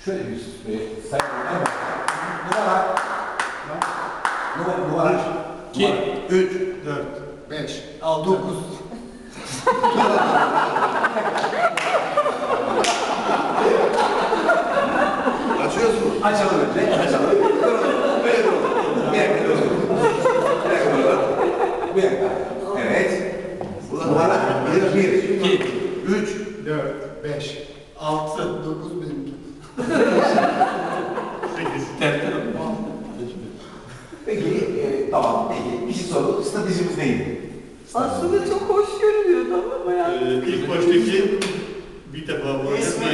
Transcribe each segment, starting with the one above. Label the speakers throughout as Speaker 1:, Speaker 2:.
Speaker 1: Şöyle bir sayalım. Numara. 2, 3, 4, 5, 6, 9. Açıyoruz mu? Açalım önce. Açalım. Böyle duralım. Bir dakika duralım. Bir dakika duralım. Bir dakika. Evet. Numara 1, 2, 3, 4, 5, 6, 9, 1000. 8. Peki, tamam. Peki, bir şey soralım. Stratejimiz neydi?
Speaker 2: Aslında çok hoş görünüyordu ama yani.
Speaker 3: İlk baştaki bir defa bu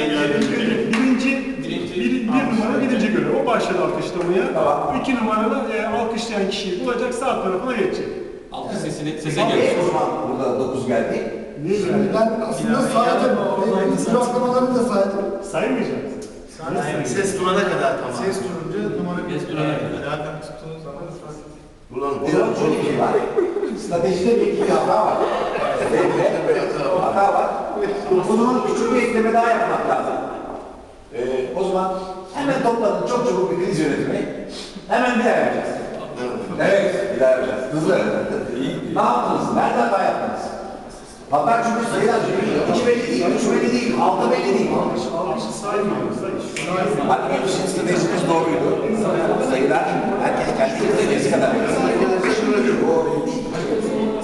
Speaker 3: bir numara birinci görev. O başladı alkışlamaya.
Speaker 1: Tamam.
Speaker 3: 2 numarada alkışlayan kişiyi bulacak, sağ tarafına geçecek.
Speaker 4: Alkış sese
Speaker 1: Tamam,
Speaker 4: geldi.
Speaker 1: o zaman burada 9 geldi.
Speaker 3: Niye yani?
Speaker 5: Ben aslında saydım. Sıraklamalarını da saydım.
Speaker 3: Saymayacaksın.
Speaker 6: Ses durana kadar tamam.
Speaker 5: Ses durunca numara
Speaker 4: Ses durana kadar.
Speaker 5: Zaten tuttuğunuz zaman
Speaker 1: O zaman şöyle bir şey var. Stratejide bir iki hata var. Hata var. O zaman küçük bir ekleme daha yapmak lazım. O zaman hemen toplanın çok çabuk bir kriz yönetimi. Hemen bir daha yapacağız. Evet, bir daha yapacağız. Hızlı. Ne yaptınız? Nerede hata yaptınız? Hatta çünkü sayılar 2 belli değil, 3 belli değil, 6 belli değil.
Speaker 3: Alkışı saymıyoruz.
Speaker 1: Bak, hepsinin stratejimiz doğruydu. Sayılar herkes kendi istediğiniz kadar.